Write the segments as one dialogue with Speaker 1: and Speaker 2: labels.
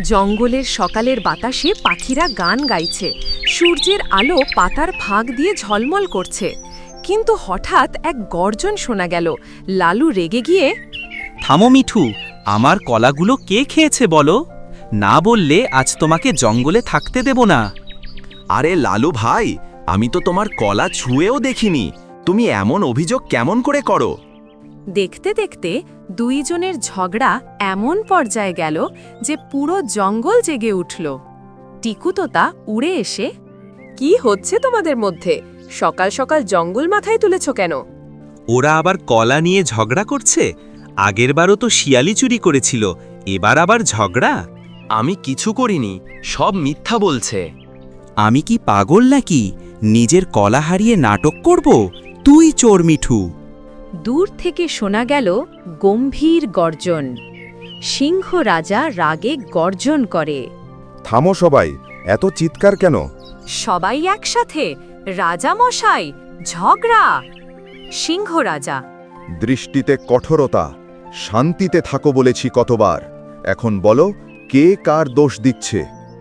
Speaker 1: জঙ্গলের সকালের বাতাসে পাখিরা গান গাইছে, সূর্যের আলো পাতার ফাঁক দিয়ে ঝলমল করছে। কিন্তু হঠাৎ এক গর্জন শোনা গেল। লালু রেগে গিয়ে,
Speaker 2: থামো মিঠু, আমার কলাগুলো কে খেয়েছে বলো? না বললে আজ তোমাকে জঙ্গলে থাকতে দেব না।
Speaker 3: আরে লালু ভাই, আমি তো তোমার কলা ছুঁয়েও দেখিনি, তুমি এমন অভিযোগ কেমন করে করো?
Speaker 1: দেখতে দেখতে দুইজনের ঝগড়া এমন পর্যায়ে গেল যে পুরো জঙ্গল জেগে উঠল। টিকু তোতা উড়ে এসে, কি হচ্ছে তোমাদের মধ্যে? সকাল সকাল জঙ্গল মাথায় তুলেছ কেন?
Speaker 2: ওরা আবার কলা নিয়ে ঝগড়া করছে? আগেরবারও তো শিয়ালি চুরি করেছিল, এবার আবার ঝগড়া?
Speaker 3: আমি কিছু করিনি, সব মিথ্যা বলছে।
Speaker 2: আমি কি পাগল নাকি? নিজের কলা হারিয়ে নাটক করব? তুই চোর মিঠু।
Speaker 1: দূর থেকে শোনা গেল গম্ভীর গর্জন। সিংহ রাজা রাগে গর্জন করে।
Speaker 4: থামো সবাই, এত চিৎকার কেন?
Speaker 1: সবাই একসাথে, রাজা মশাই, ঝগড়া। সিংহ রাজা,
Speaker 4: দৃষ্টিতে কঠোরতা, শান্তিতে থাকো বলেছি কতবার। এখন বলো, কে কার দোষ দিচ্ছে?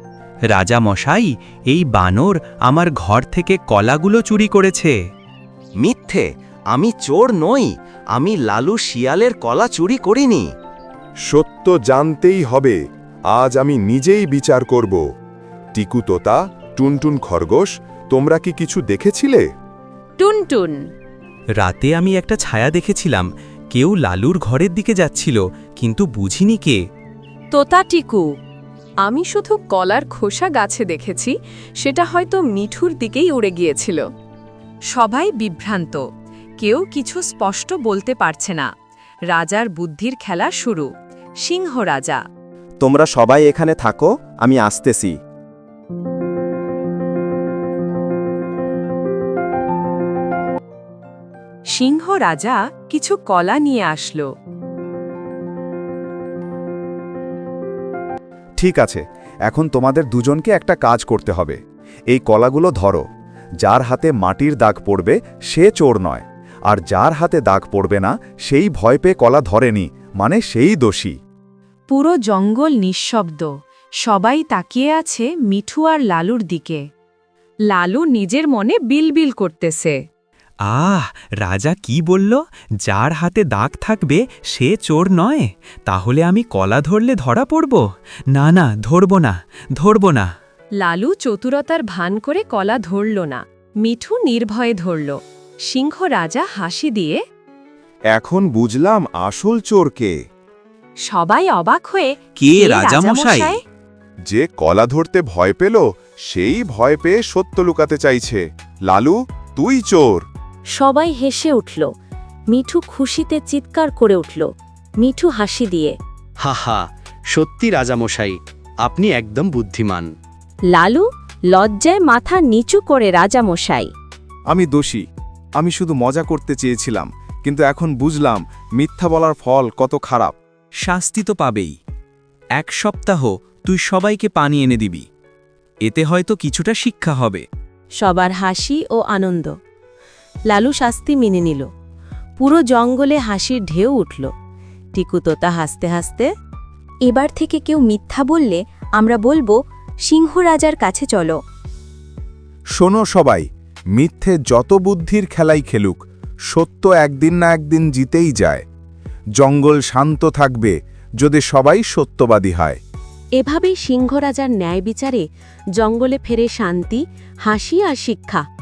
Speaker 2: রাজা মশাই, এই বানর আমার ঘর থেকে কলাগুলো চুরি করেছে।
Speaker 3: মিথ্যে, আমি চোর নই, আমি লালু শিয়ালের কলা চুরি করিনি।
Speaker 4: সত্য জানতেই হবে, আজ আমি নিজেই বিচার করব। টিকু তোতা, টুনটুন খরগোশ, তোমরা কি কিছু দেখেছিলে?
Speaker 1: টুনটুন,
Speaker 2: রাতে আমি একটা ছায়া দেখেছিলাম, কেউ লালুর ঘরের দিকে যাচ্ছিল, কিন্তু বুঝিনি কে।
Speaker 1: তোতা টিকু, আমি শুধু কলার খোসা গাছে দেখেছি, সেটা হয়তো মিঠুর দিকেই উড়ে গিয়েছিল। সবাই বিভ্রান্ত, কেউ কিছু স্পষ্ট বলতে পারছে না। রাজার বুদ্ধির খেলা শুরু। সিংহ রাজা,
Speaker 3: তোমরা সবাই এখানে থাকো, আমি আসতেছি।
Speaker 1: সিংহ রাজা কিছু কলা নিয়ে আসলো।
Speaker 4: ঠিক আছে, এখন তোমাদের দুজনকে একটা কাজ করতে হবে। এই কলাগুলো ধরো। যার হাতে মাটির দাগ পড়বে সে চোর নয়, আর যার হাতে দাগ পড়বে না সেই ভয় পেয়ে কলা ধরেনি, মানে সেই দোষী।
Speaker 1: পুরো জঙ্গল নিঃশব্দ, সবাই তাকিয়ে আছে মিঠু আর লালুর দিকে। লালু নিজের মনে বিলবিল করতেছে।
Speaker 2: রাজা কি বলল? যার হাতে দাগ থাকবে সে চোর নয়? তাহলে আমি কলা ধরলে ধরা পড়ব? না না, ধরব না।
Speaker 1: লালু চতুরতার ভান করে কলা ধরল না, মিঠু নির্ভয়ে ধরল। সিংহ রাজা হাসি দিয়ে,
Speaker 4: এখন বুঝলাম আসল চোর কে।
Speaker 1: সবাই অবাক হয়ে,
Speaker 2: কে রাজামশাই?
Speaker 4: যে কলা ধরতে ভয় পেল সেই ভয় পেয়ে সত্য লুকাতে চাইছে। লালু, তুই চোর।
Speaker 5: সবাই হেসে উঠল। মিঠু খুশিতে চিৎকার করে উঠল। মিঠু হাসি দিয়ে,
Speaker 6: হাহা, সত্যি রাজামশাই, আপনি একদম বুদ্ধিমান।
Speaker 5: লালু লজ্জায় মাথা নিচু করে, রাজামশাই,
Speaker 4: আমি দোষী, আমি শুধু মজা করতে চেয়েছিলাম, কিন্তু এখন বুঝলাম মিথ্যা বলার ফল কত খারাপ।
Speaker 2: শাস্তি তো পাবেই। 1 সপ্তাহ তুই সবাইকে পানি এনে দিবি, এতে হয়তো কিছুটা শিক্ষা হবে।
Speaker 5: সবার হাসি ও আনন্দ। লালু শাস্তি মেনে নিল। পুরো জঙ্গলে হাসির ঢেউ উঠল। টিকু তোতা হাসতে হাসতে,
Speaker 7: এবার থেকে কেউ মিথ্যা বললে আমরা বলবো সিংহ রাজার কাছে চলো।
Speaker 4: শোনো সবাই, মিথ্যে যত বুদ্ধির খেলাই খেলুক, সত্য একদিন না একদিন জিতেই যায়। জঙ্গল শান্ত থাকবে যদি সবাই সত্যবাদী হয়।
Speaker 5: এভাবেই সিংহ রাজার ন্যায় বিচারে জঙ্গলে ফেরে শান্তি, হাসি আর শিক্ষা।